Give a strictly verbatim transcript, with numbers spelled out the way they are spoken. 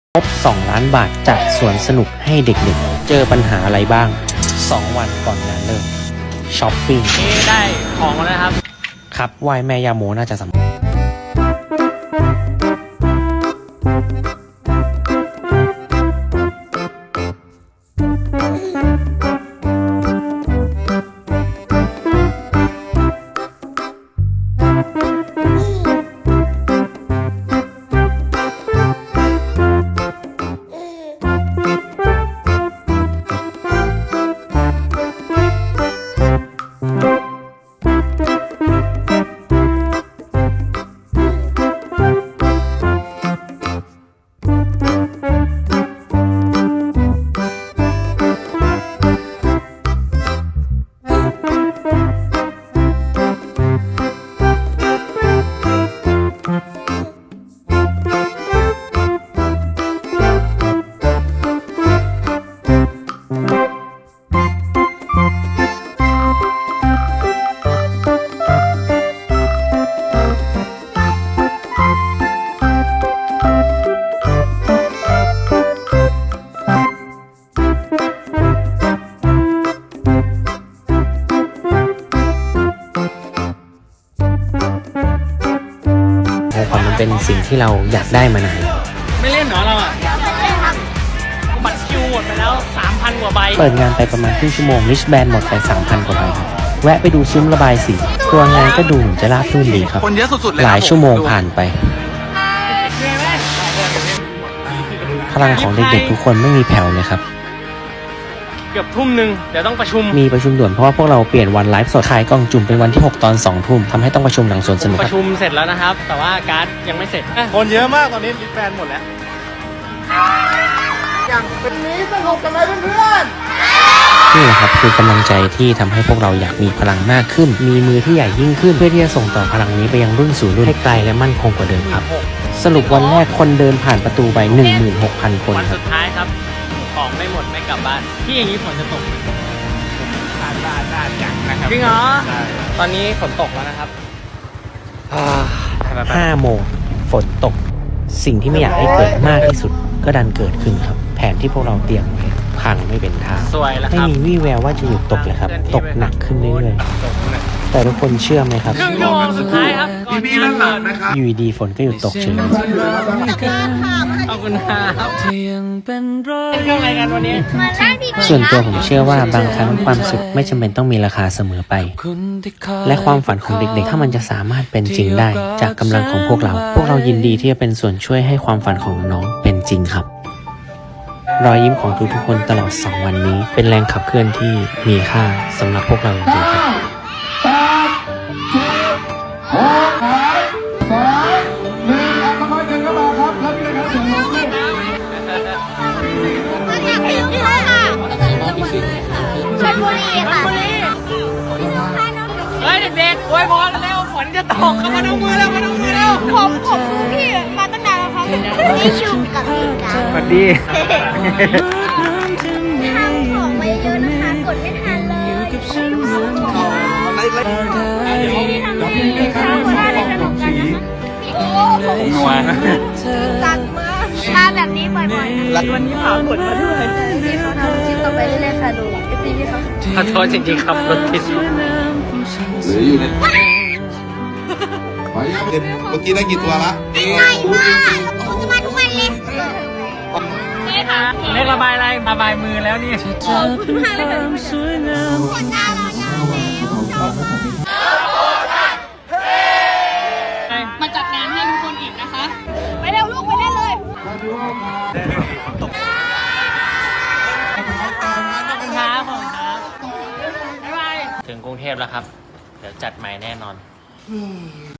งบสองล้านบาทจัดสวนสนุกให้เด็กๆ เจอปัญหาอะไรบ้างสองวันก่อนงานเริ่มช้อปปิ้งนี่ได้ของแล้วนะครับครับไหว้แม่ยาโมน่าจะสำคัญความมันเป็นสิ่งที่เราอยากได้มานานไม่เล่นเหรอเราอ่ะบัตรคิวหมดไปแล้ว สามพัน กว่าใบเปิดงานไปประมาณครึ่งชั่วโมงริชแบนหมดไป สามพัน กว่าใบครับแวะไปดูซุ้มระบายสีตัวงานก็ดูเหมือนจะราบรื่นดีครับคนเยอะสุดๆเลยหลายชั่วโมงผ่านไปพลังของเด็กๆทุกคนไม่มีแผ่วเลยครับเกือบทุ่มหนึ่งเดี๋ยวต้องประชุมมีประชุมด่วนเพราะว่าพวกเราเปลี่ยนวันไลฟ์สดขายกล่องจุ่มเป็นวันที่หกตอนสองทุ่มทำให้ต้องประชุมหลังสวนสนุกประชุมเสร็จแล้วนะครับแต่ว่าการ์ดยังไม่เสร็จคนเยอะมากตอนนี้รีแฟนหมดแล้วอย่างเป็นนี้สนุกกันไหมเพื่อนๆนี่แหละครับคือกำลังใจที่ทำให้พวกเราอยากมีพลังมากขึ้นมีมือที่ใหญ่ยิ่งขึ้นเพื่อที่จะส่งต่อพลังนี้ไปยังรุ่นสู่รุ่นให้ไกลและมั่นคงกว่าเดิมครับสรุปวันแรกคนเดินผ่านประตูไป หนึ่งหมื่นหกพัน คนวันสุดท้ายครับของไม่หมดไม่กลับบ้านที่อย่างนี้ฝนจะตกน่าน่าน่าจังนะครับจริงเหรอตอนนี้ฝนตกแล้วนะครับห้าโมงฝนตกสิ่งที่ไม่อยากให้เกิดมากที่สุดก็ดันเกิดขึ้นครับแผนที่พวกเราเตรียมไว้พังไม่เป็นท่าไม่มีวี่แววว่าจะหยุดตกเลยครับตกหนักขึ้นเรื่อยๆแต่ทุกคนเชื่อไหมครับครึ่งชั่วโมงสุดท้ายครับก่อนงานเริ่มนะครับอยู่ดีฝนก็หยุดตกเฉยขอบคุณครับเป็นเครื่องอะไรกันวันนี้ส่วนตัวผมเชื่อว่าบางครั้งความสุขไม่จำเป็นต้องมีราคาเสมอไปและความฝันของเด็กๆถ้ามันจะสามารถเป็นจริงได้จากกำลังของพวกเราพวกเรายินดีที่จะเป็นส่วนช่วยให้ความฝันของน้องเป็นจริงครับรอยยิ้มของทุกๆคนตลอดสองวันนี้เป็นแรงขับเคลื่อนที่มีค่าสำหรับพวกเราจริงๆครับเฮ้ยเด็กๆอวยพรเร็วฝนจะตกมาดูมือแล้วมาดูมือแล้วผมผมดูพี่มาตั้งนานแล้วครับนี่ชูกับพี่กันสวัสดีทำของไปเยอะนะคะกดไม่ทันเลยโอ้ผมนัวตัดมาทาแบบนี้บ่อยๆนะวันนี้ผ่ากดมาด้วยพี่เขาทำคลิปต่อไปเรื่อยๆค่ะดูไอซีพี่เขาขอโทษจริงๆครับรถติดหรืออยู่ในเมื่อกี้ได้กี่ตัวละง่ายมากผมจะมาทุกวันเลยนี่ค่ะเรียกระบายอะไรระบายมือแล้วนี่ขอบคุณมากเลยค่ะขวดน้ำมาจัดงานให้ทุกคนอีกนะคะไปเร็วลูกไปเล่นเลยครับผมครับบ๊ายบายถึงกรุงเทพแล้วครับเดี๋ยวจัดใหม่แน่นอน